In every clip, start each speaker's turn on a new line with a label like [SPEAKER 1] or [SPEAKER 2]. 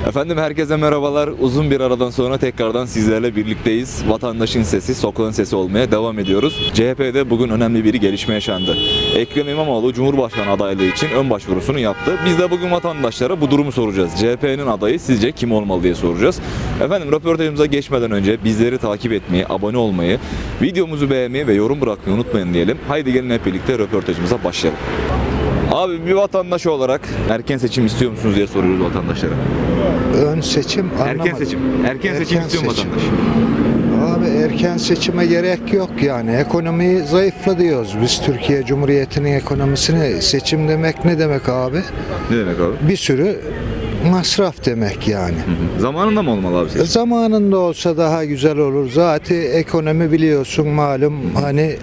[SPEAKER 1] Efendim herkese merhabalar. Uzun bir aradan sonra tekrardan sizlerle birlikteyiz. Vatandaşın sesi, sokağın sesi olmaya devam ediyoruz. CHP'de bugün önemli bir gelişme yaşandı. Ekrem İmamoğlu Cumhurbaşkanı adaylığı için ön başvurusunu yaptı. Biz de bugün vatandaşlara bu durumu soracağız. CHP'nin adayı sizce kim olmalı diye soracağız. Efendim röportajımıza geçmeden önce bizleri takip etmeyi, abone olmayı, videomuzu beğenmeyi ve yorum bırakmayı unutmayın diyelim. Haydi gelin hep birlikte röportajımıza başlayalım. Abi bir vatandaş olarak erken seçim istiyor musunuz diye soruyoruz vatandaşlara.
[SPEAKER 2] Ön seçim anlamadım.
[SPEAKER 1] Erken seçim istiyor mu vatandaş?
[SPEAKER 2] Abi erken seçime gerek yok yani. Ekonomi zayıfla diyoruz. Biz Türkiye Cumhuriyeti'nin ekonomisini seçim demek ne demek abi?
[SPEAKER 1] Ne demek abi?
[SPEAKER 2] Bir sürü masraf demek yani.
[SPEAKER 1] Zamanında mı olmalı abi seçim?
[SPEAKER 2] Zamanında olsa daha güzel olur. Zaten ekonomi biliyorsun malum hani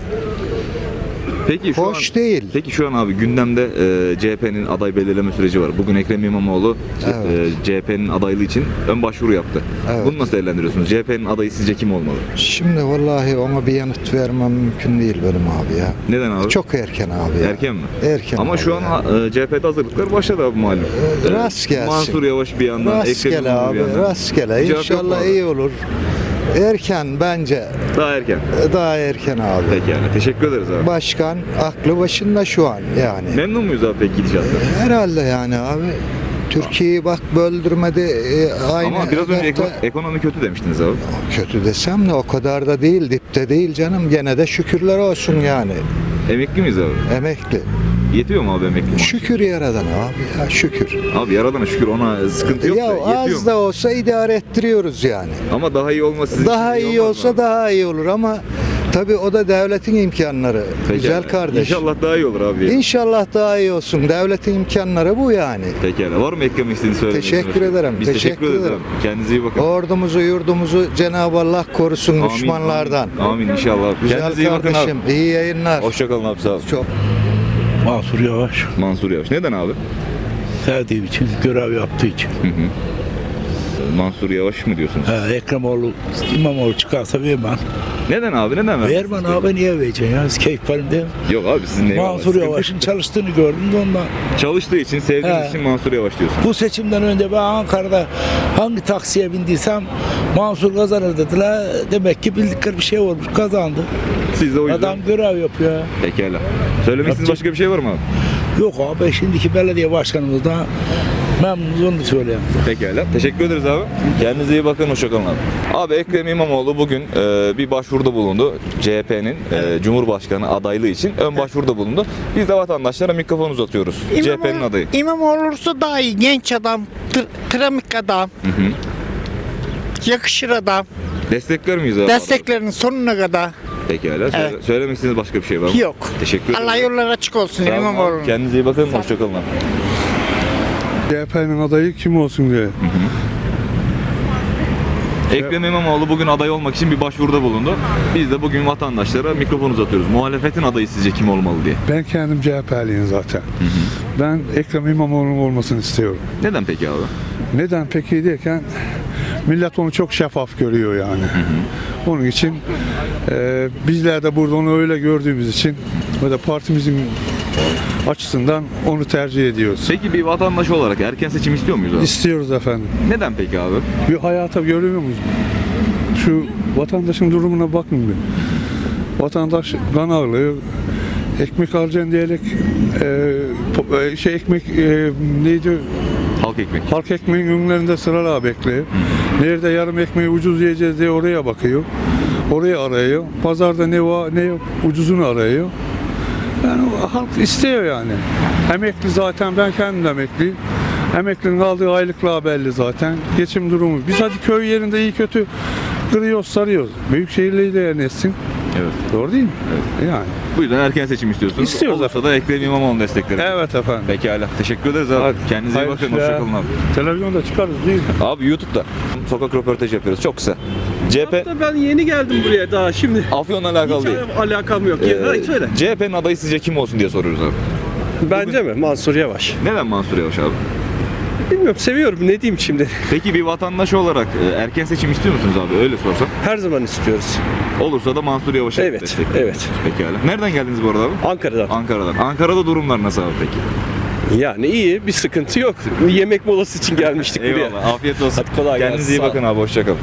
[SPEAKER 1] Peki şu
[SPEAKER 2] hoş
[SPEAKER 1] an,
[SPEAKER 2] değil.
[SPEAKER 1] Peki şu an abi gündemde CHP'nin aday belirleme süreci var. Bugün Ekrem İmamoğlu CHP'nin adaylığı için ön başvuru yaptı.
[SPEAKER 2] Evet.
[SPEAKER 1] Bunu nasıl değerlendiriyorsunuz? CHP'nin adayı sizce kim olmalı?
[SPEAKER 2] Şimdi vallahi ona bir yanıt vermem mümkün değil benim abi ya.
[SPEAKER 1] Neden abi?
[SPEAKER 2] Çok erken abi ya.
[SPEAKER 1] Erken mi?
[SPEAKER 2] Erken
[SPEAKER 1] Ama
[SPEAKER 2] abi
[SPEAKER 1] şu an
[SPEAKER 2] ya.
[SPEAKER 1] CHP'de hazırlıklar başladı abi malum.
[SPEAKER 2] Rast gelsin.
[SPEAKER 1] Mansur Yavaş bir yandan, Ekrem
[SPEAKER 2] Rastgele
[SPEAKER 1] İmamoğlu bir
[SPEAKER 2] abi,
[SPEAKER 1] yandan.
[SPEAKER 2] rastgele.
[SPEAKER 1] Cevap yok mu
[SPEAKER 2] İnşallah
[SPEAKER 1] abi?
[SPEAKER 2] iyi olur. Erken bence.
[SPEAKER 1] Daha erken.
[SPEAKER 2] Daha erken abi.
[SPEAKER 1] Peki yani. Teşekkür ederiz abi.
[SPEAKER 2] Başkan aklı başında şu an yani.
[SPEAKER 1] Memnun muyuz abi peki gidişattan?
[SPEAKER 2] Herhalde yani abi. Türkiye'yi bak böldürmedi. Aynı
[SPEAKER 1] Ama biraz önce
[SPEAKER 2] hedefte-
[SPEAKER 1] ekonomi kötü demiştiniz abi.
[SPEAKER 2] kötü desem de o kadar da değil, dipte değil canım. Gene de şükürler olsun yani.
[SPEAKER 1] Emekli miyiz abi?
[SPEAKER 2] Emekli.
[SPEAKER 1] Yetiyor mu abi emekli maaşı?
[SPEAKER 2] Şükür yaradan abi ya şükür.
[SPEAKER 1] Abi yaradana şükür ona sıkıntı yok
[SPEAKER 2] Ya
[SPEAKER 1] da yetiyor
[SPEAKER 2] az
[SPEAKER 1] mu?
[SPEAKER 2] da olsa idare ettiriyoruz yani.
[SPEAKER 1] Ama daha iyi olması sizin
[SPEAKER 2] Daha
[SPEAKER 1] için
[SPEAKER 2] iyi
[SPEAKER 1] olmaz
[SPEAKER 2] olsa
[SPEAKER 1] mı?
[SPEAKER 2] daha iyi olur ama tabii o da devletin imkanları.
[SPEAKER 1] Peki
[SPEAKER 2] Güzel
[SPEAKER 1] yani.
[SPEAKER 2] kardeş.
[SPEAKER 1] İnşallah daha iyi olur abi.
[SPEAKER 2] İnşallah daha iyi olsun. Devletin imkanları bu yani.
[SPEAKER 1] Pekala. Var mı eklemek istediğiniz söylemek
[SPEAKER 2] Teşekkür
[SPEAKER 1] istediğiniz?
[SPEAKER 2] ederim.
[SPEAKER 1] Biz
[SPEAKER 2] Teşekkür
[SPEAKER 1] teşekkür ederiz
[SPEAKER 2] ederim.
[SPEAKER 1] abi. Kendinize iyi bakın.
[SPEAKER 2] Ordumuzu, yurdumuzu Cenab-ı Allah korusun
[SPEAKER 1] Amin,
[SPEAKER 2] düşmanlardan.
[SPEAKER 1] Amin inşallah.
[SPEAKER 2] Güzel
[SPEAKER 1] Kendinize iyi bakın abi.
[SPEAKER 2] kardeşim. İyi yayınlar.
[SPEAKER 1] Hoşçakalın abi sağ olun.
[SPEAKER 2] Çok.
[SPEAKER 3] Mansur Yavaş
[SPEAKER 1] Mansur Yavaş. Neden abi?
[SPEAKER 3] sevdiğim için, görev yaptığı için.
[SPEAKER 1] Mansur Yavaş mı diyorsunuz?
[SPEAKER 3] Ekremoğlu, İmamoğlu çıkarsa vermem.
[SPEAKER 1] Neden abi? Neden vermezsiniz?
[SPEAKER 3] Vermem abi, niye vereceksin ya? Keyif parim değil mi?
[SPEAKER 1] Yok abi sizin ne
[SPEAKER 3] Mansur Yavaş'ın çalıştığını gördüm de ondan.
[SPEAKER 1] Çalıştığı için, sevdiğiniz
[SPEAKER 3] He.
[SPEAKER 1] için Mansur Yavaş diyorsunuz.
[SPEAKER 3] Bu seçimden önce ben Ankara'da hangi taksiye bindiysem Mansur kazanır dediler. Demek ki bildikleri bir şey olmuş, kazandı.
[SPEAKER 1] Siz de o yüzden.
[SPEAKER 3] Adam görev yapıyor.
[SPEAKER 1] Pekala. Söylemek istediğiniz başka bir şey var mı abi?
[SPEAKER 3] Yok abi, şimdiki belediye başkanımız da memnunuz, onu söyleyeyim.
[SPEAKER 1] Pekala. Teşekkür ederiz abi. Kendinize iyi bakın. Hoşçakalın abi. Abi Ekrem İmamoğlu bugün bir başvuruda bulundu. CHP'nin Cumhurbaşkanı adaylığı için ön başvuruda bulundu. Biz de vatandaşlara mikrofon uzatıyoruz. CHP'nin adayı.
[SPEAKER 4] İmamoğlu olursa daha iyi. Genç adam, tramik adam, yakışır adam.
[SPEAKER 1] Destekler miyiz abi?
[SPEAKER 4] Desteklerinin sonuna kadar
[SPEAKER 1] Pekala.
[SPEAKER 4] Evet.
[SPEAKER 1] Söylemek istediğiniz başka bir şey var mı?
[SPEAKER 4] yok.
[SPEAKER 1] Teşekkür ederim.
[SPEAKER 4] Allah yolları açık olsun
[SPEAKER 1] Sağ olun abi.
[SPEAKER 4] İmamoğlu'nun.
[SPEAKER 1] Kendinize iyi bakın. Hoşçakalın abi.
[SPEAKER 5] CHP'nin adayı kim olsun diye.
[SPEAKER 1] Ekrem İmamoğlu bugün aday olmak için bir başvuruda bulundu. Biz de bugün vatandaşlara mikrofon uzatıyoruz. Muhalefetin adayı sizce kim olmalı diye.
[SPEAKER 5] Ben kendim CHP'liyim zaten. Ben Ekrem İmamoğlu'nun olmasını istiyorum.
[SPEAKER 1] Neden peki abi?
[SPEAKER 5] Neden peki derken millet onu çok şeffaf görüyor yani. Onun için bizler de burada onu öyle gördüğümüz için ve de partimizin açısından onu tercih ediyoruz.
[SPEAKER 1] Peki bir vatandaş olarak erken seçim istiyor muyuz abi?
[SPEAKER 5] İstiyoruz efendim.
[SPEAKER 1] Neden peki abi?
[SPEAKER 5] Bir hayata görüyor muyuz? Şu vatandaşın durumuna bakın bir. Vatandaş kan ağlıyor. Ekmek alacaksın diyerek ekmek neydi?
[SPEAKER 1] Halk ekmek.
[SPEAKER 5] Halk ekmeğin önlerinde sıralar bekliyor. Nerede yarım ekmeği ucuz yiyeceğiz diye oraya bakıyor. Oraya arıyor. Pazarda ne var ne yok ucuzunu arıyor. Yani halk istiyor yani. Emekli zaten, ben kendim de emekliyim. Emeklinin aldığı aylıklar belli zaten. Geçim durumu. Biz hadi köy yerinde iyi kötü kırıyoruz, sarıyoruz. Büyük şehirleri de yerleşsin.
[SPEAKER 1] Evet.
[SPEAKER 5] Doğru değil mi? Yani.
[SPEAKER 1] Bu yüzden erken seçim istiyorsunuz.
[SPEAKER 5] İstiyoruz
[SPEAKER 1] Olursa da Ekrem İmamoğlu'nu destekleriz.
[SPEAKER 5] Evet efendim.
[SPEAKER 1] Pekala. Teşekkür ederiz abi.
[SPEAKER 5] Hadi.
[SPEAKER 1] Kendinize iyi
[SPEAKER 5] Hayırlı
[SPEAKER 1] bakın.
[SPEAKER 5] işler.
[SPEAKER 1] Hoşçakalın abi.
[SPEAKER 5] Televizyonda çıkarız değil mi?
[SPEAKER 1] Abi YouTube'da sokak röportajı yapıyoruz. Çok kısa. CHP
[SPEAKER 6] Hatta ben yeni geldim buraya daha şimdi.
[SPEAKER 1] Afyon'la alakalı
[SPEAKER 6] Hiç
[SPEAKER 1] değil.
[SPEAKER 6] alakam yok. Söyle.
[SPEAKER 1] CHP'nin adayı sizce kim olsun diye soruyoruz abi.
[SPEAKER 6] Bence mi? Mansur Yavaş.
[SPEAKER 1] Neden Mansur Yavaş abi?
[SPEAKER 6] Bilmiyorum, seviyorum. Ne diyeyim şimdi?
[SPEAKER 1] Peki bir vatandaş olarak erken seçim istiyor musunuz abi? Öyle sorsam.
[SPEAKER 6] Her zaman istiyoruz.
[SPEAKER 1] Olursa da Mansur Yavaş'a
[SPEAKER 6] Evet,
[SPEAKER 1] destekliyorsunuz.
[SPEAKER 6] evet.
[SPEAKER 1] Pekala. Nereden geldiniz bu arada abi?
[SPEAKER 6] Ankara'dan.
[SPEAKER 1] Ankara'dan. Ankara'da durumlar nasıl abi peki?
[SPEAKER 6] Yani iyi, bir sıkıntı yok. Yemek molası için gelmiştik buraya.
[SPEAKER 1] Eyvallah. Afiyet olsun.
[SPEAKER 6] Hadi kolay gelsin,
[SPEAKER 1] Kendinize iyi
[SPEAKER 6] sağ ol.
[SPEAKER 1] bakın abi. Hoşçakalın.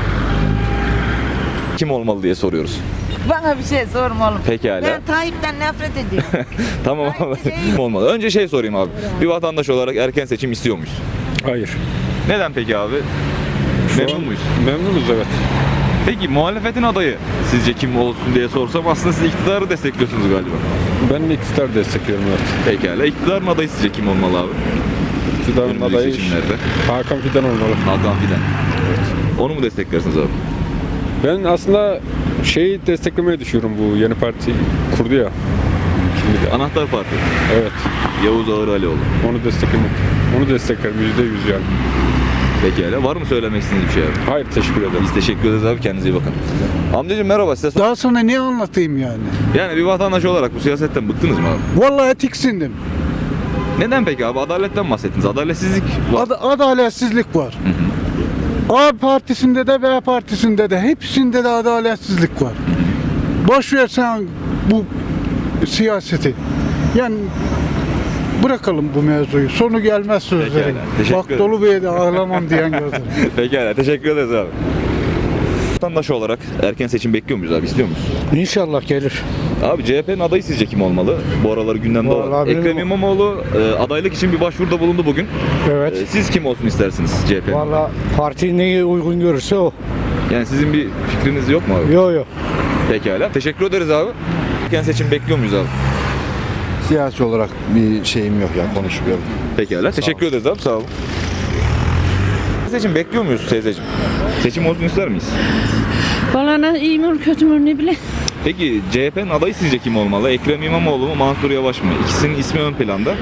[SPEAKER 1] Kim olmalı diye soruyoruz.
[SPEAKER 7] Bana bir şey sorma oğlum.
[SPEAKER 1] Pekala.
[SPEAKER 7] Ben Tayyip'ten nefret ediyorum.
[SPEAKER 1] Tamam abi. Kim olmalı? Önce şey sorayım abi. Bir vatandaş olarak erken seçim istiyor muyuz?
[SPEAKER 5] Hayır.
[SPEAKER 1] Neden peki abi? Memnun muyuz?
[SPEAKER 5] Memnunuz evet.
[SPEAKER 1] Peki muhalefetin adayı sizce kim olsun diye sorsam aslında siz iktidarı destekliyorsunuz galiba.
[SPEAKER 5] Ben de iktidar destekliyorum evet.
[SPEAKER 1] Pekala. İktidarın adayı sizce kim olmalı abi?
[SPEAKER 5] İktidarın
[SPEAKER 1] Önümüzdeki
[SPEAKER 5] adayı
[SPEAKER 1] seçimlerde.
[SPEAKER 5] Hakan Fidan olmalı.
[SPEAKER 1] Hakan Fidan. Onu mu desteklersiniz abi?
[SPEAKER 5] Ben aslında şeyi desteklemeye düşüyorum, bu yeni parti kurdu ya. Şimdi de.
[SPEAKER 1] Anahtar Parti.
[SPEAKER 5] Evet.
[SPEAKER 1] Yavuz Ağır Alioğlu.
[SPEAKER 5] Onu desteklemek. Onu desteklerim %100 yani.
[SPEAKER 1] Pekala. Var mı söylemek istediğiniz bir şey abi?
[SPEAKER 5] Hayır, teşekkür ederim.
[SPEAKER 1] Biz teşekkür ederiz abi. Kendinize iyi bakın. Amcacığım merhaba. Size
[SPEAKER 8] Daha sonra ne anlatayım yani?
[SPEAKER 1] Yani bir vatandaş olarak bu siyasetten bıktınız mı abi?
[SPEAKER 8] Vallahi tiksindim.
[SPEAKER 1] Neden peki abi? Adaletten bahsettiniz. Adaletsizlik var.
[SPEAKER 8] Adaletsizlik var. A partisinde de B partisinde de hepsinde de adaletsizlik var. Boş ver sen bu siyaseti. Yani bırakalım bu mevzuyu. Sonu gelmez sözlerin.
[SPEAKER 1] Pekala, teşekkür
[SPEAKER 8] Bak
[SPEAKER 1] ederim.
[SPEAKER 8] dolu bir yerde ağlamam diyen gördüm.
[SPEAKER 1] Pekala. Teşekkür ederiz abi. Vatandaş olarak erken seçim bekliyor muyuz abi? İstiyor muyuz?
[SPEAKER 8] İnşallah gelir.
[SPEAKER 1] Abi CHP'nin adayı sizce kim olmalı? Bu aralar gündemde olan.
[SPEAKER 8] Vallahi
[SPEAKER 1] Ekrem
[SPEAKER 8] benim-
[SPEAKER 1] İmamoğlu adaylık için bir başvuruda bulundu bugün.
[SPEAKER 8] Evet.
[SPEAKER 1] Siz kim olsun istersiniz CHP?
[SPEAKER 8] Vallahi parti neyi uygun görürse o.
[SPEAKER 1] Yani sizin bir fikriniz yok mu abi?
[SPEAKER 8] Yok.
[SPEAKER 1] Pekala. Teşekkür ederiz abi. Erken seçim bekliyor muyuz abi?
[SPEAKER 9] Siyasi olarak bir şeyim yok ya, konuşmuyorum.
[SPEAKER 1] Pekala. Teşekkür ederiz abi. Sağ olun. Seçim bekliyor muyuz teyzeciğim? Seçim olsun ister miyiz?
[SPEAKER 10] Valla ne iyi mi kötü mü ne bileyim.
[SPEAKER 1] Peki CHP'nin adayı sizce kim olmalı? Ekrem İmamoğlu mu, Mansur Yavaş mı? İkisinin ismi ön planda.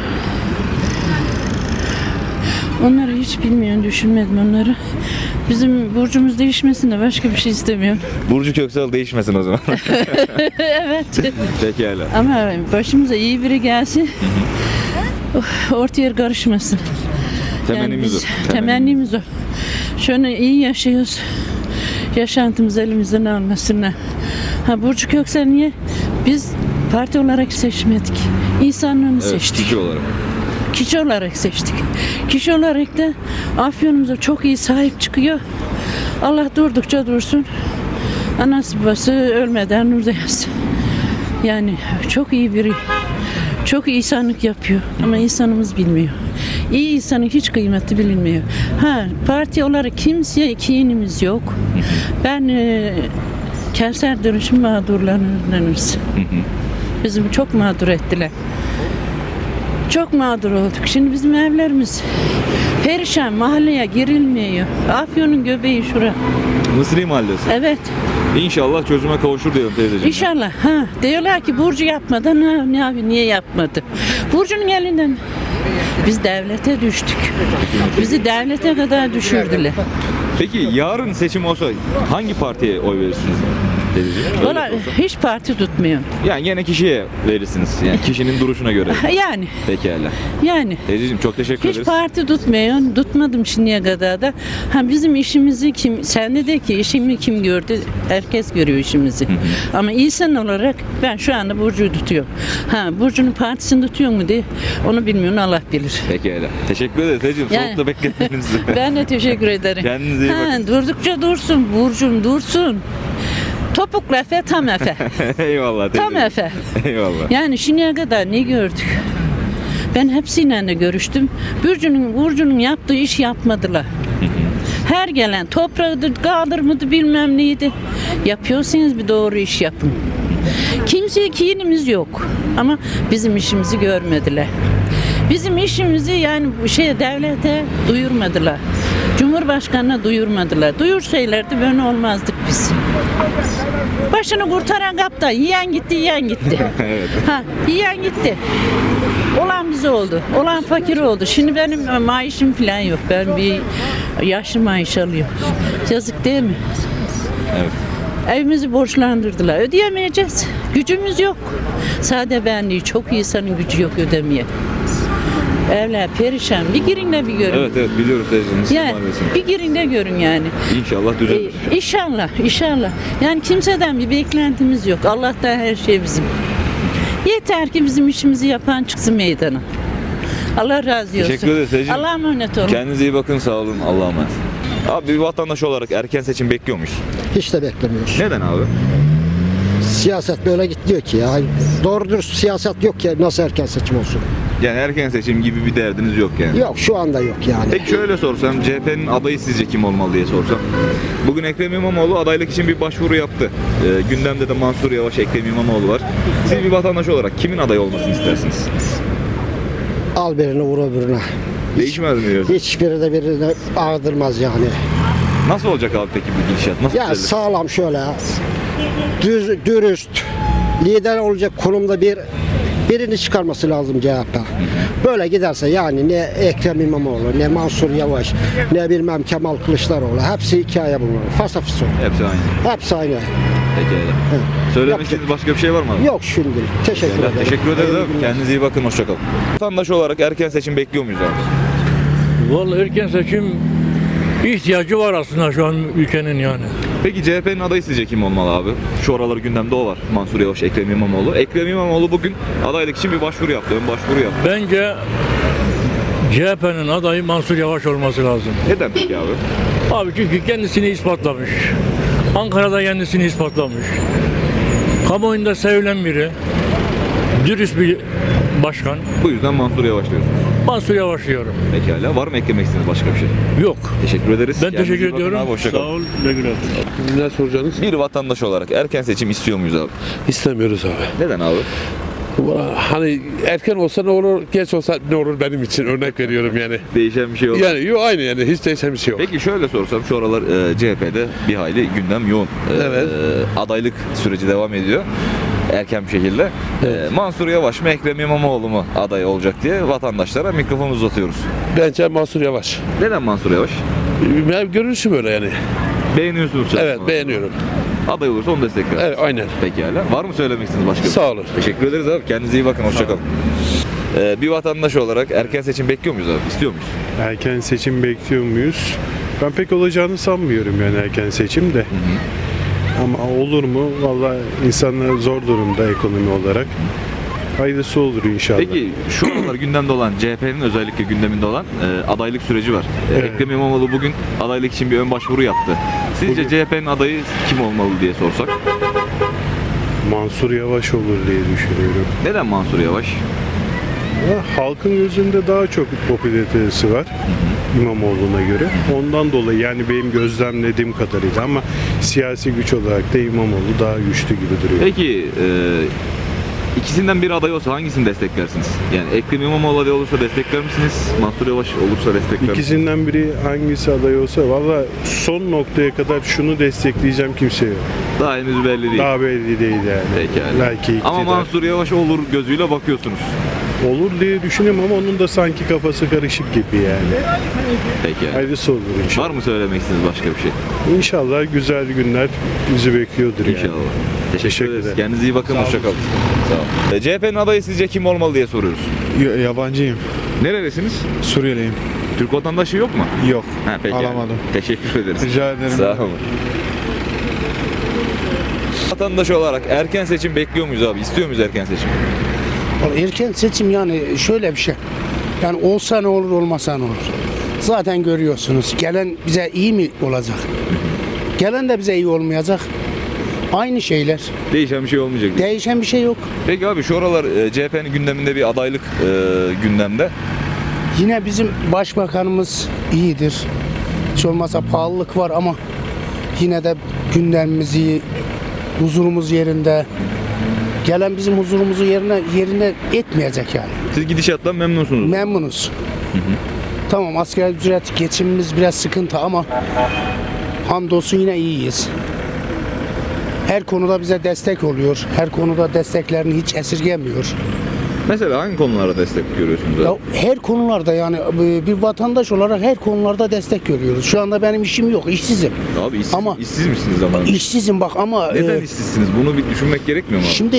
[SPEAKER 10] Onları hiç bilmiyorum, düşünmedim onları. Bizim burcumuz değişmesin de başka bir şey istemiyorum.
[SPEAKER 1] Burcu Köksal değişmesin o zaman.
[SPEAKER 10] Evet.
[SPEAKER 1] Pekala.
[SPEAKER 10] Ama başımıza iyi biri gelsin. Orta yer karışmasın.
[SPEAKER 1] Temennimiz
[SPEAKER 10] biz-
[SPEAKER 1] o.
[SPEAKER 10] Temennimiz o. Şöyle iyi yaşıyoruz. Yaşantımız elimizden almasınlar. Ha Burcu Köksal niye? Biz parti olarak seçmedik. İnsanlığını
[SPEAKER 1] Evet,
[SPEAKER 10] seçtik.
[SPEAKER 1] kişi olarak.
[SPEAKER 10] Kişi olarak seçtik. Kişi olarak da Afyon'umuza çok iyi sahip çıkıyor. Allah durdukça dursun. Anası babası ölmeden uzayasın. Yani çok iyi biri. Çok iyi insanlık yapıyor ama insanımız bilmiyor. İyi insanın hiç kıymeti bilinmiyor. Ha parti olarak kimseye kinimiz yok. Ben kentsel dönüşüm mağdurlarındanız. Bizim çok mağdur ettiler. Çok mağdur olduk. Şimdi bizim evlerimiz perişan, mahalleye girilmiyor. Afyon'un göbeği şura.
[SPEAKER 1] Mısri Mahallesi.
[SPEAKER 10] Evet,
[SPEAKER 1] İnşallah çözüme kavuşur diyelim teyzeciğim.
[SPEAKER 10] inşallah. Ha, diyorlar ki Burcu yapmadan ne abi niye yapmadı? Burcu'nun elinden biz devlete düştük. Bizi devlete kadar düşürdüler.
[SPEAKER 1] Peki yarın seçim olsa hangi partiye oy verirsiniz teyzeciğim? Öyle
[SPEAKER 10] Valla
[SPEAKER 1] sorsam.
[SPEAKER 10] hiç parti tutmuyor.
[SPEAKER 1] Yani gene kişiye verirsiniz. Yani kişinin duruşuna göre.
[SPEAKER 10] Yani
[SPEAKER 1] Teyzeciğim çok teşekkür
[SPEAKER 10] hiç
[SPEAKER 1] ederiz.
[SPEAKER 10] parti tutmuyor. Tutmadım şimdiye kadar da. Ha bizim işimizi kim, sende de ki işimi kim gördü? Herkes görüyor işimizi. Ama insan olarak ben şu anda Burcu'yu tutuyorum. Ha Burcu'nun partisini tutuyor mu diye onu bilmiyorum, Allah bilir.
[SPEAKER 1] Pekala. Teşekkür ederiz teyzeciğim.
[SPEAKER 10] Yani-
[SPEAKER 1] Soğukta bekletmenizi.
[SPEAKER 10] Ben de teşekkür ederim.
[SPEAKER 1] Kendinize iyi bakın.
[SPEAKER 10] Durdukça dursun Burcu'm dursun. Topuklu Efe, tam Efe.
[SPEAKER 1] Eyvallah teyzeciğim.
[SPEAKER 10] Tam Efe.
[SPEAKER 1] Eyvallah.
[SPEAKER 10] Yani şimdiye kadar ne gördük? Ben hepsiyle de görüştüm. Burcu'nun yaptığı iş yapmadılar. Her gelen toprağıdır, kaldırmadı bilmem neydi. Yapıyorsanız bir doğru iş yapın. Kimseye kinimiz yok. Ama bizim işimizi görmediler. Bizim işimizi yani devlete duyurmadılar. Cumhurbaşkanına duyurmadılar. Duyursaylardı böyle olmazdık biz. Başını kurtaran kapta yiyen gitti.
[SPEAKER 1] Evet.
[SPEAKER 10] Ha, yiyen gitti. Olan bize oldu. Olan fakir oldu. Şimdi benim maaşım falan yok. Ben bir yaşlı maaş alıyorum. Yazık değil mi?
[SPEAKER 1] Evet.
[SPEAKER 10] Evimizi borçlandırdılar. Ödeyemeyeceğiz. Gücümüz yok. Sade benliği çok insanın gücü yok ödemeye. Evler perişan. Bir girin de bir görün.
[SPEAKER 1] Evet biliyoruz teyzeciğim. Mısri
[SPEAKER 10] Yani,
[SPEAKER 1] Mahallesi'ni.
[SPEAKER 10] bir girin de görün yani.
[SPEAKER 1] İnşallah düzelir.
[SPEAKER 10] İnşallah. Yani kimseden bir beklentimiz yok. Allah'tan her şey bizim. Yeter ki bizim işimizi yapan çıksın meydana. Allah razı olsun.
[SPEAKER 1] Teşekkür ederiz teyzeciğim.
[SPEAKER 10] Allah'a emanet olun.
[SPEAKER 1] Kendinize iyi bakın, sağ olun. Allah'a emanet. Abi bir vatandaş olarak erken seçim bekliyor muyuz?
[SPEAKER 2] Hiç de beklemiyoruz.
[SPEAKER 1] Neden abi?
[SPEAKER 2] Siyaset böyle gidiyor ki ya. Doğru dürüst siyaset yok ki nasıl erken seçim olsun.
[SPEAKER 1] Yani erken seçim gibi bir derdiniz yok yani.
[SPEAKER 2] Yok şu anda yok yani.
[SPEAKER 1] Peki şöyle sorsam, CHP'nin adayı sizce kim olmalı diye sorsam. Bugün Ekrem İmamoğlu adaylık için bir başvuru yaptı. Gündemde de Mansur Yavaş, Ekrem İmamoğlu var. Siz bir vatandaş olarak kimin aday olmasını istersiniz?
[SPEAKER 2] Al birini vur öbürüne.
[SPEAKER 1] Değişmez mi diyorsun?
[SPEAKER 2] Hiçbiri de birini ağdırmaz yani.
[SPEAKER 1] Nasıl olacak abi peki bu gidişat? Nasıl
[SPEAKER 2] Ya
[SPEAKER 1] düzelir?
[SPEAKER 2] sağlam şöyle dürüst lider olacak konumda birini çıkarması lazım CHP. Böyle giderse yani ne Ekrem İmamoğlu, ne Mansur Yavaş, ne bilmem Kemal Kılıçdaroğlu hepsi hikaye bunlar. Fasafis olur.
[SPEAKER 1] Hepsi aynı.
[SPEAKER 2] Hepsi aynı.
[SPEAKER 1] Peki öyle. Söylemek
[SPEAKER 2] Yapacak.
[SPEAKER 1] istediğiniz başka bir şey var mı abi?
[SPEAKER 2] Yok şimdi. Teşekkür ederim.
[SPEAKER 1] Teşekkür ederiz
[SPEAKER 2] Hayırlı
[SPEAKER 1] abi.
[SPEAKER 2] günler.
[SPEAKER 1] Kendinize iyi bakın. Hoşçakalın. Vatandaş olarak erken seçim bekliyor muyuz abi?
[SPEAKER 3] Vallahi erken seçim ihtiyacı var aslında şu an ülkenin yani.
[SPEAKER 1] Peki CHP'nin adayı sizce kim olmalı abi? Şu aralar gündemde o var. Mansur Yavaş, Ekrem İmamoğlu. Ekrem İmamoğlu bugün adaylık için bir başvuru yaptı. Ön başvuru yaptı.
[SPEAKER 3] Bence CHP'nin adayı Mansur Yavaş olması lazım.
[SPEAKER 1] Neden peki abi?
[SPEAKER 3] Abi çünkü kendisini ispatlamış. Ankara'da kendisini ispatlamış. Kamuoyunda sevilen biri. Dürüst bir başkan.
[SPEAKER 1] Bu yüzden Mansur Yavaş diyorsunuz.
[SPEAKER 3] Mansur Yavaş diyorum.
[SPEAKER 1] Pekala. Var mı eklemek istediğiniz başka bir şey?
[SPEAKER 3] Yok.
[SPEAKER 1] Teşekkür ederiz.
[SPEAKER 3] Ben
[SPEAKER 1] Kendinize iyi
[SPEAKER 3] teşekkür
[SPEAKER 1] bakın
[SPEAKER 3] ediyorum.
[SPEAKER 1] abi, hoşça kalın.
[SPEAKER 3] Sağ ol. Ne güle.
[SPEAKER 5] Ne soracaksınız?
[SPEAKER 1] Bir vatandaş olarak erken seçim istiyor muyuz abi?
[SPEAKER 5] İstemiyoruz abi.
[SPEAKER 1] Neden abi?
[SPEAKER 5] Hani erken olsa ne olur, geç olsa ne olur benim için örnek veriyorum yani.
[SPEAKER 1] Değişen bir şey oldu.
[SPEAKER 5] Yani yok aynı yani hiç değişen bir şey yok.
[SPEAKER 1] Peki şöyle sorsam, şu aralar CHP'de bir hayli gündem yoğun.
[SPEAKER 5] Evet.
[SPEAKER 1] Adaylık süreci devam ediyor. Erken bir şekilde. Mansur Yavaş mı, Ekrem İmamoğlu mu aday olacak diye vatandaşlara mikrofon uzatıyoruz.
[SPEAKER 5] Bence Mansur Yavaş.
[SPEAKER 1] Neden Mansur Yavaş?
[SPEAKER 5] Benim görünüşüm öyle yani.
[SPEAKER 1] Beğeniyorsunuz.
[SPEAKER 5] Evet beğeniyorum.
[SPEAKER 1] Aday olursa onu destekler.
[SPEAKER 5] Evet aynen.
[SPEAKER 1] Pekala. Var mı söylemek istediğiniz başka bir şey?
[SPEAKER 5] Sağ olun.
[SPEAKER 1] Teşekkür ederiz abi. Kendinize iyi bakın. Hoşçakalın. Bir vatandaş olarak erken seçim bekliyor muyuz abi? İstiyor muyuz?
[SPEAKER 11] Erken seçim bekliyor muyuz? Ben pek olacağını sanmıyorum yani erken seçim de. Ama olur mu? Vallahi insanlar zor durumda ekonomi olarak. Hayırlısı olur inşallah.
[SPEAKER 1] Peki şu aralar gündemde olan, CHP'nin özellikle gündeminde olan adaylık süreci var.
[SPEAKER 11] Evet.
[SPEAKER 1] Ekrem İmamoğlu bugün adaylık için bir ön başvuru yaptı. Sizce CHP'nin adayı kim olmalı diye sorsak?
[SPEAKER 11] Mansur Yavaş olur diye düşünüyorum.
[SPEAKER 1] Neden Mansur Yavaş?
[SPEAKER 11] Halkın gözünde daha çok popülaritesi var İmamoğlu'na göre. Ondan dolayı yani benim gözlemlediğim kadarıyla ama siyasi güç olarak da İmamoğlu daha güçlü gibi duruyor.
[SPEAKER 1] Peki ikisinden bir aday olsa hangisini desteklersiniz? Yani Ekrem İmamoğlu aday olursa destekler misiniz? Mansur Yavaş olursa destekler misiniz?
[SPEAKER 11] İkisinden biri hangisi aday olsa valla son noktaya kadar şunu destekleyeceğim kimse yok.
[SPEAKER 1] Daha henüz belli değil.
[SPEAKER 11] Daha belli değil yani.
[SPEAKER 1] Pekala.
[SPEAKER 11] Belki iktidar.
[SPEAKER 1] Ama Mansur Yavaş olur gözüyle bakıyorsunuz.
[SPEAKER 11] Olur diye düşünüyorum ama onun da sanki kafası karışık gibi yani.
[SPEAKER 1] Peki.
[SPEAKER 11] Hayırlısı olur inşallah.
[SPEAKER 1] Var mı söylemek istediğiniz başka bir şey?
[SPEAKER 11] İnşallah güzel günler bizi bekliyordur yani.
[SPEAKER 1] İnşallah. Teşekkür ederiz.
[SPEAKER 11] ederim.
[SPEAKER 1] Kendinize iyi bakın. Hoşçakalın. Sağ olun. CHP'nin adayı sizce kim olmalı diye soruyoruz.
[SPEAKER 9] Yabancıyım.
[SPEAKER 1] Nerelisiniz?
[SPEAKER 9] Suriyeliyim.
[SPEAKER 1] Türk vatandaşı yok mu?
[SPEAKER 9] Yok.
[SPEAKER 1] Ha, peki.
[SPEAKER 9] Alamadım.
[SPEAKER 1] Teşekkür ederiz.
[SPEAKER 9] Rica ederim.
[SPEAKER 1] Sağ olun. Vatandaş olarak erken seçim bekliyor muyuz abi? İstiyor muyuz erken seçim?
[SPEAKER 4] Erken seçim yani şöyle bir şey. Yani olsa ne olur olmasa ne olur. Zaten görüyorsunuz. Gelen bize iyi mi olacak? Gelen de bize iyi olmayacak. Aynı şeyler.
[SPEAKER 1] Değişen bir şey olmayacak.
[SPEAKER 4] Değişen bir şey yok.
[SPEAKER 1] Peki abi şu aralar CHP'nin gündeminde bir adaylık gündemde.
[SPEAKER 4] Yine bizim başbakanımız iyidir. Hiç olmazsa pahalılık var ama yine de gündemimiz iyi. Huzurumuz yerinde. Gelen bizim huzurumuzu yerine etmeyecek yani.
[SPEAKER 1] Siz gidişattan memnunsunuz.
[SPEAKER 4] Memnunuz. Tamam asgari ücret geçimimiz biraz sıkıntı ama hamdolsun yine iyiyiz. Her konuda bize destek oluyor. Her konuda desteklerini hiç esirgemiyor.
[SPEAKER 1] Mesela hangi konulara destek görüyorsunuz abi?
[SPEAKER 4] Ya her konularda yani bir vatandaş olarak her konularda destek görüyoruz. Şu anda benim işim yok, işsizim.
[SPEAKER 1] Abi
[SPEAKER 4] Ama-
[SPEAKER 1] işsiz misiniz ama?
[SPEAKER 4] İşsizim bak ama
[SPEAKER 1] Neden işsizsiniz? Bunu bir düşünmek gerekmiyor mu abi?
[SPEAKER 4] şimdi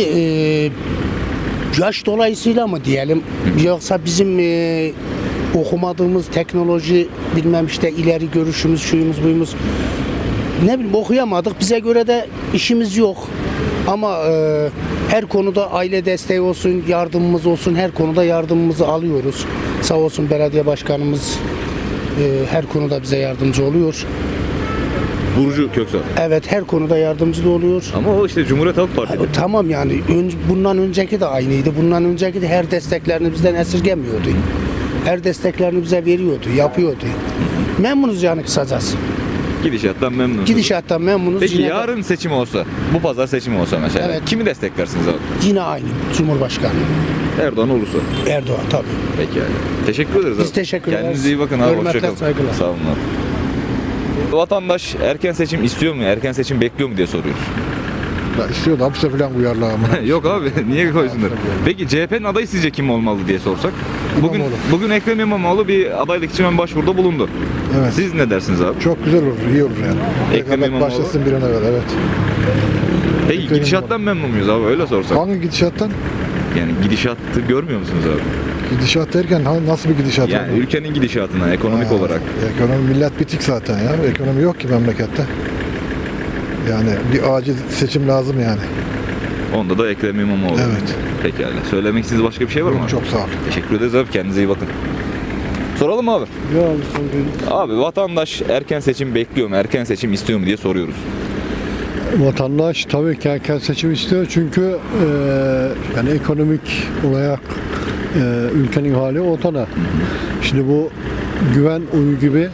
[SPEAKER 4] yaş dolayısıyla mı diyelim yoksa bizim okumadığımız teknoloji bilmem işte ileri görüşümüz şuyumuz buyumuz ne bileyim okuyamadık bize göre de işimiz yok ama Her konuda aile desteği olsun, yardımımız olsun, her konuda yardımımızı alıyoruz. Sağ olsun belediye başkanımız her konuda bize yardımcı oluyor.
[SPEAKER 1] Burcu Köksal.
[SPEAKER 4] Evet, her konuda yardımcı da oluyor.
[SPEAKER 1] Ama o işte Cumhuriyet Halk Partisi.
[SPEAKER 4] Tamam yani bundan önceki de aynıydı. Bundan önceki de her desteklerini bizden esirgemiyordu. Her desteklerini bize veriyordu, yapıyordu. Memnunuz yani kısacası.
[SPEAKER 1] Gidişattan memnunsunuz.
[SPEAKER 4] Gidişattan memnunuz.
[SPEAKER 1] Peki
[SPEAKER 4] Yine de-
[SPEAKER 1] yarın seçim olsa, bu pazar seçimi olsa mesela,
[SPEAKER 4] Evet.
[SPEAKER 1] kimi desteklersiniz abi?
[SPEAKER 4] Yine aynı Cumhurbaşkanı
[SPEAKER 1] Erdoğan olursa.
[SPEAKER 4] Erdoğan tabii.
[SPEAKER 1] Peki yani. Teşekkür ederiz abi.
[SPEAKER 4] Biz teşekkür ederiz.
[SPEAKER 1] Kendinize iyi bakın abi.
[SPEAKER 4] Hürmetler,
[SPEAKER 1] Hoşçakalın.
[SPEAKER 4] saygılar.
[SPEAKER 1] Sağ olun abi. Vatandaş erken seçim istiyor mu, erken seçim bekliyor mu diye soruyoruz.
[SPEAKER 9] Ya istiyor da hapse falan uyarlar ama.
[SPEAKER 1] Yok abi, niye koysunlar? Peki CHP'nin adayı sizce kim olmalı diye sorsak? Bugün Ekrem İmamoğlu bir adaylık için ön başvuruda bulundu.
[SPEAKER 9] Evet.
[SPEAKER 1] Siz ne dersiniz abi?
[SPEAKER 9] Çok güzel olur, iyi olur yani.
[SPEAKER 1] Ekrem
[SPEAKER 9] Rekabet
[SPEAKER 1] İmamoğlu.
[SPEAKER 9] başlasın bir an evvel, evet.
[SPEAKER 1] Peki
[SPEAKER 9] Ekrem
[SPEAKER 1] gidişattan memnun muyuz abi, öyle sorsak?
[SPEAKER 9] Hangi gidişattan?
[SPEAKER 1] Yani gidişatı görmüyor musunuz abi?
[SPEAKER 9] Gidişat derken nasıl bir gidişat?
[SPEAKER 1] Yani ülkenin gidişatına, ekonomik olarak.
[SPEAKER 9] Ekonomi millet bitik zaten ya. Ekonomi yok ki memlekette. Yani bir acil seçim lazım yani.
[SPEAKER 1] Onda da Ekrem İmamoğlu.
[SPEAKER 9] Evet.
[SPEAKER 1] Pekala. Söylemek istediğiniz başka bir şey var mı?
[SPEAKER 9] Çok sağ ol.
[SPEAKER 1] Teşekkür ederiz abi. Kendinize iyi bakın. Soralım mı abi? Abi vatandaş erken seçim bekliyor mu? Erken seçim istiyor mu diye soruyoruz.
[SPEAKER 8] Vatandaş tabii ki erken seçim istiyor çünkü yani ekonomik olarak ülkenin hali ortada. Şimdi bu güven oyu gibi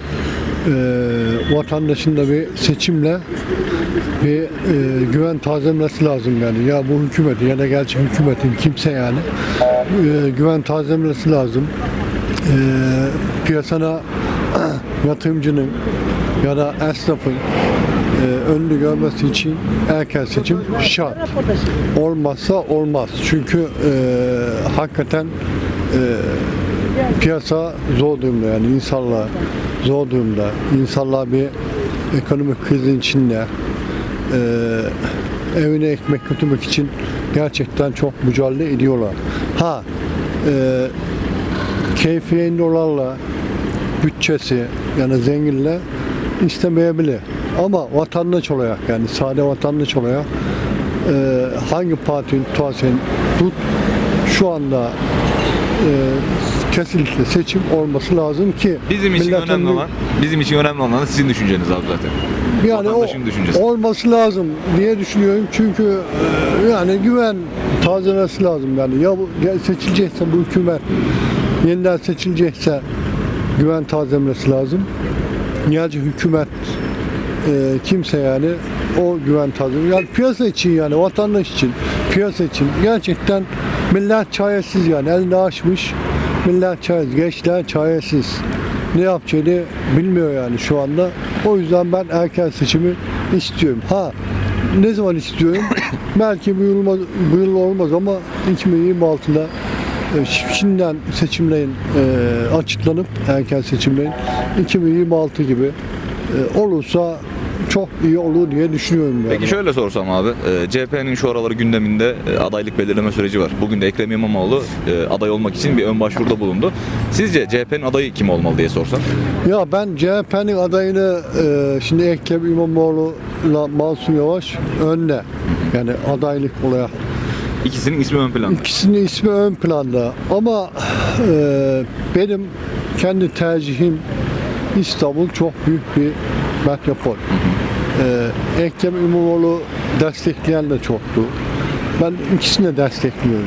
[SPEAKER 8] vatandaşın da bir seçimle bir güven tazelemesi lazım yani. Ya bu hükümeti ya da gerçi hükümetin kimse yani güven tazelemesi lazım. Piyasana yatırımcının ya da esnafın önünü görmesi için erken seçim şart. Olmazsa olmaz. Çünkü hakikaten piyasa zor durumda yani insanlar zor durumda. İnsanlar bir ekonomik krizin içinde evine ekmek götürmek için gerçekten çok mücadele ediyorlar. Keyfi yerinde olanla bütçesi yani zenginle istemeyebilir. Ama vatandaş olarak yani sade vatandaş olarak hangi partinin tutarsan tut şu anda kesinlikle seçim olması lazım ki
[SPEAKER 1] Bizim için
[SPEAKER 8] milletin
[SPEAKER 1] önemli olan da sizin düşünceniz abi zaten.
[SPEAKER 8] yani o
[SPEAKER 1] Vatandaşın düşüncesi.
[SPEAKER 8] olması lazım diye düşünüyorum çünkü yani güven tazelemesi lazım yani ya bu seçilecekse bu hükümet yeniden seçilecekse güven tazelemesi lazım. Nihal'cı hükümet kimse yani o güven tazelemesi yani piyasa için yani vatandaş için piyasa için gerçekten millet çaresiz yani elini açmış millet çaresiz gençler çaresiz ne yapacağını bilmiyor yani şu anda o yüzden ben erken seçimi istiyorum. Ne zaman istiyorum? Belki bu yıl olmaz ama 2026'da şimdiden seçimlerin açıklanıp erken seçimlerin 2026 gibi olursa çok iyi olur diye düşünüyorum. Yani.
[SPEAKER 1] Peki şöyle sorsam abi, CHP'nin şu araları gündeminde adaylık belirleme süreci var. Bugün de Ekrem İmamoğlu aday olmak için bir ön başvuruda bulundu. Sizce CHP'nin adayı kim olmalı diye sorsam?
[SPEAKER 8] Ya ben CHP'nin adayını şimdi Ekrem İmamoğlu'la Mansur Yavaş önde. Yani adaylık olarak.
[SPEAKER 1] İkisinin ismi ön planda.
[SPEAKER 8] İkisinin ismi ön planda. Ama benim kendi tercihim İstanbul çok büyük bir metropol. Ekrem İmamoğlu destekleyen de çoktu. Ben ikisini de destekliyorum.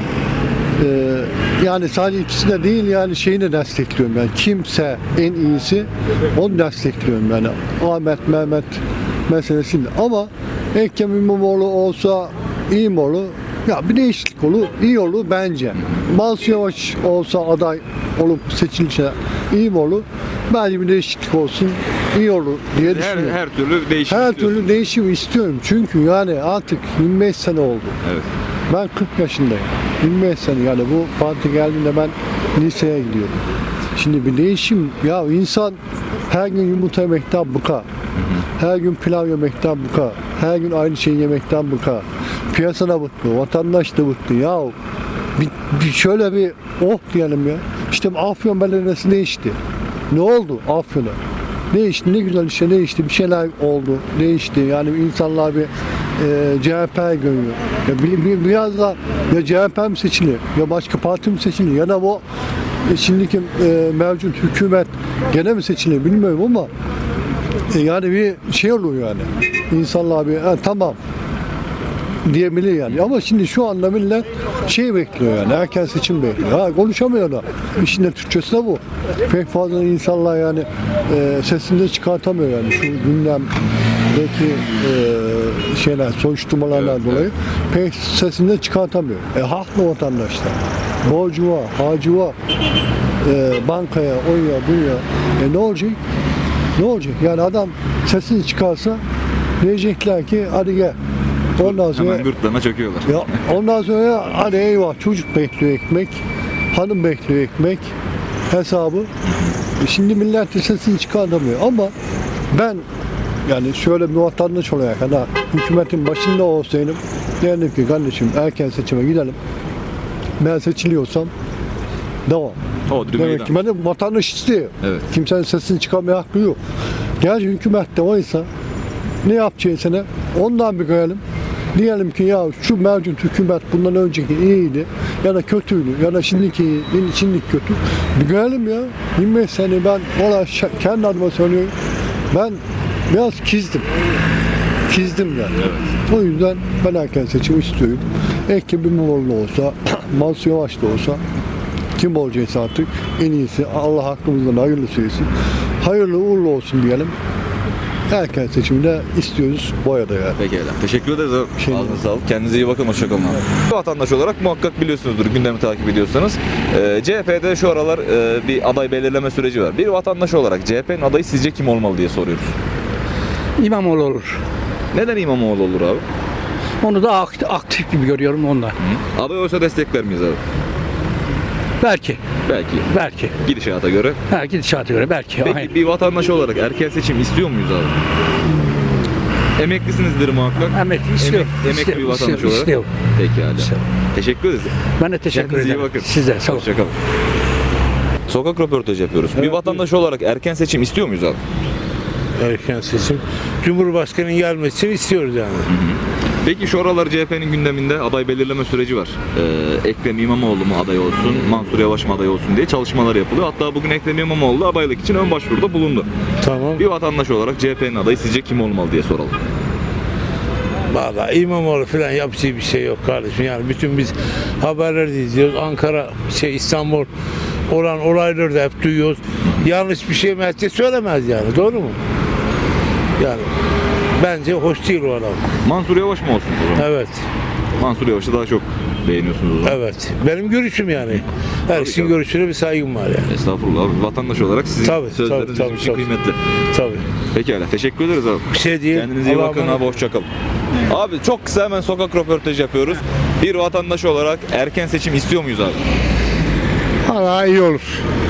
[SPEAKER 8] Yani sadece ikisini de değil yani şeyini de destekliyorum. Yani kimse en iyisi onu destekliyorum yani. Ahmet, Mehmet meselesinde. Ama Ekrem İmamoğlu olsa iyi mi olur? Ya bir değişiklik olur, iyi olur bence. Mansur Yavaş olsa aday olup seçilse iyi mi olur? Bence bir değişiklik olsun, iyi olur diye düşünüyorum.
[SPEAKER 1] Her türlü değişim
[SPEAKER 8] Her
[SPEAKER 1] istiyorsun.
[SPEAKER 8] türlü değişim istiyorum. Çünkü yani artık 25 sene oldu.
[SPEAKER 1] Evet.
[SPEAKER 8] Ben 40 yaşındayım. 25 sene yani bu parti geldiğinde ben liseye gidiyordum. Şimdi bir değişim ya insan her gün yumurta yemekten bıkar. Her gün pilav yemekten bıkar. Her gün aynı şeyi yemekten bıkar. Piyasada bıktı, vatandaş da bıktı. Ya bir şöyle bir oh diyelim ya. İşte Afyon Belediyesi değişti. Ne oldu Afyon'a?
[SPEAKER 9] Değişti, ne güzel işte değişti. Bir şeyler oldu, değişti. Yani insanlar bir CHP'ye görüyor. Ya biraz da ya CHP mi seçilir, ya başka parti mi seçilir, ya da bu şimdiki mevcut hükümet gene mi seçilir bilmiyorum ama yani bir şey oluyor yani. İnsanlar bir tamam diyebilir yani. Ama şimdi şu anda millet şey bekliyor yani, erken seçim bekliyor. Ha, konuşamıyor da. İşin de Türkçesi de bu. Pek fazla insanlar yani sesini de çıkartamıyor yani. Şu gündemdeki şeyler, soruşturmalardan dolayı pek sesini de çıkartamıyor. Haklı vatandaşlar. Borcu var, harcı var. Bankaya, oya, buraya. Ne olacak? Ne olacak? Yani adam sesini çıkarsa diyecekler ki hadi gel. Ondan sonra
[SPEAKER 1] Hemen gırtlağına çöküyorlar.
[SPEAKER 9] ya ondan sonra hadi eyvah, çocuk bekliyor ekmek, hanım bekliyor ekmek hesabı. Şimdi millet de sesini çıkartamıyor ama ben yani şöyle bir vatandaş olarak hani hükümetin başında olsaydım derdim ki kardeşim erken seçime gidelim. Ben seçiliyorsam devam.
[SPEAKER 1] Hodri
[SPEAKER 9] Demek ki
[SPEAKER 1] meydan.
[SPEAKER 9] benim vatandaş istiyor.
[SPEAKER 1] Evet.
[SPEAKER 9] Kimsenin sesini çıkarmaya hakkı yok. Gerçi hükümette oysa ne yapacağını ondan bir görelim. Diyelim ki ya şu mevcut hükümet bundan önceki iyiydi ya da kötüydü ya da şimdiki iyi, şimdiki kötü. Bir görelim ya. 25 sene ben ona kendi adıma söylüyorum. Ben biraz kizdim yani.
[SPEAKER 1] Evet.
[SPEAKER 9] O yüzden ben erken seçim istiyorum. Ekrem İmamoğlu olsa, Mansur Yavaş da olsa kim olacaksa artık en iyisi Allah hakkımızdan hayırlısı etsin. Hayırlı uğurlu olsun diyelim. Erken seçimde istiyoruz boyada yani.
[SPEAKER 1] Pekala. Teşekkür ederiz abi. Ağzınıza sağlık. Kendinize iyi bakın. Hoşçakalın abi. Vatandaş olarak muhakkak biliyorsunuzdur gündemi takip ediyorsanız. CHP'de şu aralar bir aday belirleme süreci var. Bir vatandaş olarak CHP'nin adayı sizce kim olmalı diye soruyoruz.
[SPEAKER 3] İmamoğlu olur.
[SPEAKER 1] Neden İmamoğlu olur abi?
[SPEAKER 3] Onu da aktif gibi görüyorum ondan.
[SPEAKER 1] Aday olsa destekler miyiz abi?
[SPEAKER 3] Belki.
[SPEAKER 1] Belki. Gidişata göre.
[SPEAKER 3] Gidişata göre belki.
[SPEAKER 1] Peki bir vatandaş olarak erken seçim istiyor muyuz abi? Emeklisinizdir muhakkak.
[SPEAKER 3] Emekli istiyor.
[SPEAKER 1] Emekli bir vatandaş olarak.
[SPEAKER 3] İstiyor.
[SPEAKER 1] Pekala. Teşekkür ederiz.
[SPEAKER 3] Ben de teşekkür
[SPEAKER 1] Kendinize iyi
[SPEAKER 3] ederim.
[SPEAKER 1] bakın.
[SPEAKER 3] Size sağ olun.
[SPEAKER 1] Hoşçakalın. Sokak röportajı yapıyoruz. Bir vatandaş olarak erken seçim istiyor muyuz abi?
[SPEAKER 5] Erken seçim. Cumhurbaşkanının gelmesini istiyoruz yani.
[SPEAKER 1] Peki şu aralar CHP'nin gündeminde aday belirleme süreci var. Ekrem İmamoğlu mu aday olsun, Mansur Yavaş mı aday olsun diye çalışmalar yapılıyor. Hatta bugün Ekrem İmamoğlu adaylık için ön başvuruda bulundu.
[SPEAKER 5] Tamam.
[SPEAKER 1] Bir vatandaş olarak CHP'nin adayı sizce kim olmalı diye soralım.
[SPEAKER 5] Vallahi İmamoğlu falan yapacağı bir şey yok kardeşim. Yani bütün biz haberleri izliyoruz. Ankara, İstanbul olan olayları da hep duyuyoruz. Yanlış bir şey Mehdi söylemez yani. Doğru mu? Yani bence hoş değil o adam.
[SPEAKER 1] Mansur Yavaş mı olsun o zaman?
[SPEAKER 5] Evet.
[SPEAKER 1] Mansur Yavaş'ı daha çok beğeniyorsunuz o zaman.
[SPEAKER 5] Evet. Benim görüşüm yani. Herkesin
[SPEAKER 1] Tabii.
[SPEAKER 5] görüşüne bir saygım var yani.
[SPEAKER 1] Estağfurullah abi. Vatandaş olarak sizin
[SPEAKER 5] Tabii,
[SPEAKER 1] sözleriniz
[SPEAKER 5] tabii,
[SPEAKER 1] bizim için
[SPEAKER 5] tabii.
[SPEAKER 1] kıymetli.
[SPEAKER 5] Tabii.
[SPEAKER 1] Pekala. Teşekkür ederiz abi.
[SPEAKER 5] Bir şey değil.
[SPEAKER 1] Kendinize iyi
[SPEAKER 5] Allah'a
[SPEAKER 1] bakın
[SPEAKER 5] emanet
[SPEAKER 1] abi. Hoşçakalın. Abi çok kısa hemen sokak röportajı yapıyoruz. Bir vatandaş olarak erken seçim istiyor muyuz abi?
[SPEAKER 8] Hala iyi olur.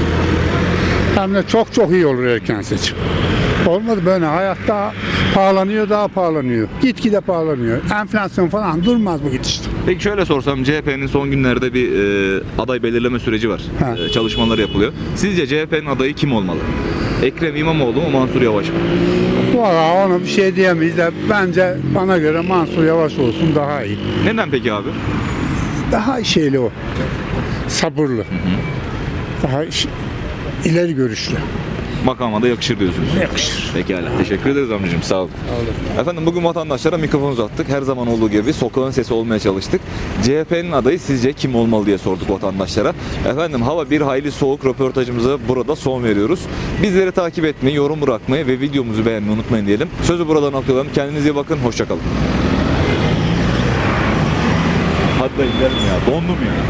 [SPEAKER 8] Hem de çok çok iyi olur erken seçim. Olmadı böyle hayatta pahalanıyor, daha pahalanıyor. Gitgide pahalanıyor. Enflasyon falan durmaz bu gidişte.
[SPEAKER 1] Peki şöyle sorsam, CHP'nin son günlerde bir aday belirleme süreci var.
[SPEAKER 8] Ha.
[SPEAKER 1] Çalışmaları yapılıyor. Sizce CHP'nin adayı kim olmalı? Ekrem İmamoğlu mu, Mansur Yavaş mı?
[SPEAKER 8] Valla ona bir şey diyemeyiz de bence bana göre Mansur Yavaş olsun daha iyi.
[SPEAKER 1] Neden peki abi?
[SPEAKER 8] Daha şeyli o. Sabırlı. Daha ileri görüşlü.
[SPEAKER 1] Makama da yakışır diyorsunuz.
[SPEAKER 8] Yakışır.
[SPEAKER 1] Pekala. Teşekkür ederiz amcacığım. Sağ olun. Efendim bugün vatandaşlara mikrofon uzattık. Her zaman olduğu gibi sokağın sesi olmaya çalıştık. CHP'nin adayı sizce kim olmalı diye sorduk vatandaşlara. Efendim hava bir hayli soğuk, röportajımıza burada son veriyoruz. Bizleri takip etmeyi, yorum bırakmayı ve videomuzu beğenmeyi unutmayın diyelim. Sözü buradan noktalayalım. Kendinize iyi bakın. Hoşçakalın. Hadi da gidelim ya. Dondum ya.